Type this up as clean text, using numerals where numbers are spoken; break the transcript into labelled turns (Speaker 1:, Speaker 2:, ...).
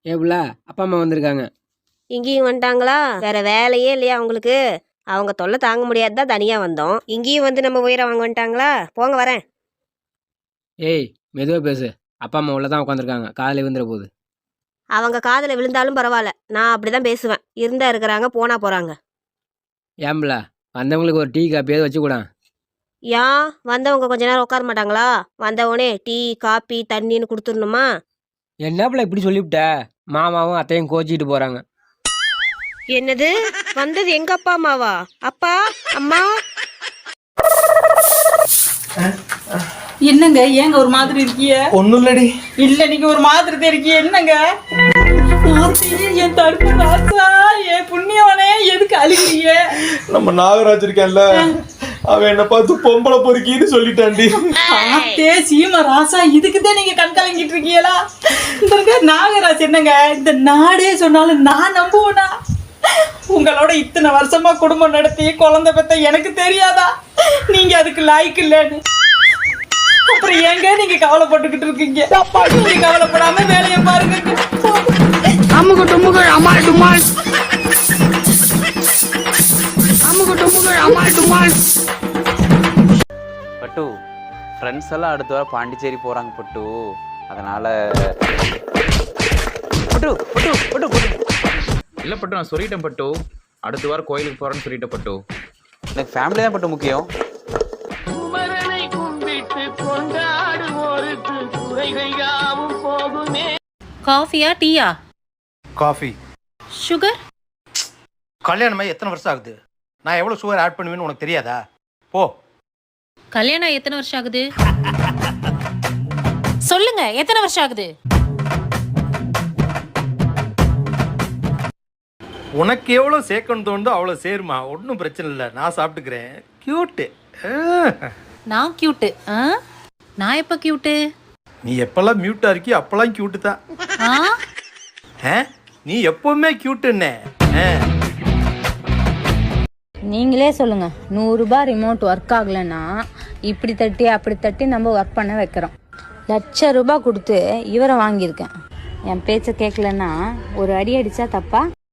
Speaker 1: ஏப்ல அப்பா அம்மா வந்திருக்காங்க.
Speaker 2: இங்கேயும் வந்துட்டாங்களா? வேற வேலையே இல்லையா உங்களுக்கு? அவங்க தொல்லை தாங்க முடியாது தான் தனியா வந்தோம். இங்கேயும் வந்து நம்ம உயிரை வாங்க வந்துட்டாங்களா? போங்க வரேன்.
Speaker 1: ஏய் மெதுவா பேசு. அப்பா அம்மா உள்ள தான் உட்காந்துருக்காங்க. காலையில் விழுந்துற போகுது.
Speaker 2: அவங்க காதில் விழுந்தாலும் பரவாயில்ல, நான் அப்படிதான் பேசுவேன். இருந்தா இருக்கிறாங்க, போனா போறாங்க.
Speaker 1: ஏம்பல வந்தவங்களுக்கு ஒரு டீ காப்பியாவது வச்சு கூட.
Speaker 2: ஏன் வந்தவங்க கொஞ்ச நேரம் உட்கார மாட்டாங்களா? வந்தவொடனே டீ காப்பி தண்ணின்னு கொடுத்துடணுமா?
Speaker 1: என்னப்பல இப்படி சொல்லிவிட்ட? மாமாவும் அத்தையும் கோச்சிக்கிட்டு போறாங்க.
Speaker 2: என்னது? வந்தது எங்க அப்பா அம்மாவா? அப்பா அம்மா
Speaker 3: என்னங்க ஏங்க ஒரு மாதிரி இருக்கிய?
Speaker 4: ஒண்ணும் இல்லடி.
Speaker 3: இல்ல நீங்க ஒரு மாதிரி இருக்கிய. என்னங்க என் தடுப்பு ராசா, என் புண்ணியவனே, எதுக்கு அழுகிறீங்க?
Speaker 4: நம்ம நாகராஜ் இருக்கேன்ல, அவன் என்ன பார்த்து பொம்பளை பொறுக்கின்னு சொல்லிட்டாண்டி.
Speaker 3: ஆத்தே சீமா ராசா, இதுக்குதான் நீங்க கண் கலங்கிட்டு இருக்கீங்களா? இந்த நாகராஜ் என்னங்க இந்த நாடே சொன்னாலும் நான் நம்புவேனா? உங்களோட இத்தனை வருஷமா குடும்பம் நடத்தி குழந்தை பெத்த எனக்கு தெரியாதா நீங்க அதுக்கு லாய்க்கு இல்லன்னு? அப்புறம் ஏங்க நீங்க கவலைப்பட்டுக்கிட்டு இருக்கீங்க? நீங்க கவலைப்படாம வேலையை பாருங்க.
Speaker 5: அம்முக்கு டும்முக்கு அம்மாள் டும்மாள், அம்முக்கு டும்முக்கு அம்மாள் டும்மாள்.
Speaker 6: பட்டு ஃப்ரெண்ட்ஸ் எல்லாம் அடுத்த வாரம் பாண்டிச்சேரி போகிறாங்க பட்டு. அதனால் பட்டு பட்டு பட்டு பட்டு
Speaker 7: இல்லை பட்டு, நான் சொல்லிட்டேன் பட்டு. அடுத்த வாரம் கோயிலுக்கு போகிறேன்னு சொல்லிட்டேன் பட்டு.
Speaker 6: எனக்கு ஃபேமிலி தான் பட்டு முக்கியம்.
Speaker 8: காஃபியா டீயா?
Speaker 9: காஃபி.
Speaker 8: சுகர்?
Speaker 9: கல்யாணமாகி எத்தனை வருஷம் ஆகுது? நான் எவ்வளோ சுகர் ஆட் பண்ணுவேன்னு உனக்கு தெரியாதா? போ.
Speaker 8: கல்யாணம் எத்தனை வருஷம் ஆகுது? சொல்லுங்க, எத்தனை வருஷம் ஆகுது?
Speaker 9: உனக்கு எவ்வளோ சேர்க்கணும் தோணுதோ அவ்வளோ சேருமா, ஒன்றும் பிரச்சனை இல்லை, நான் சாப்பிட்டுக்கிறேன். கியூட்டு.
Speaker 8: நான் கியூட்டு? நான் எப்போ கியூட்டு?
Speaker 9: நீ எப்பெல்லாம் மியூட்டாக இருக்கியோ அப்போல்லாம் கியூட்டு தான். நீ எப்பவுமே கியூட்டுன்னே.
Speaker 10: நீங்களே சொல்லுங்க, 100 ரூபாய் ரிமோட் ஒர்க் ஆகலைன்னா இப்படி தட்டி அப்படி தட்டி நம்ம ஒர்க் பண்ண வைக்கிறோம். 1,00,000 ரூபாய் கொடுத்து இவரை வாங்கியிருக்கேன். என் பேச்சை கேட்கலன்னா ஒரு அடி அடிச்சா தப்பா?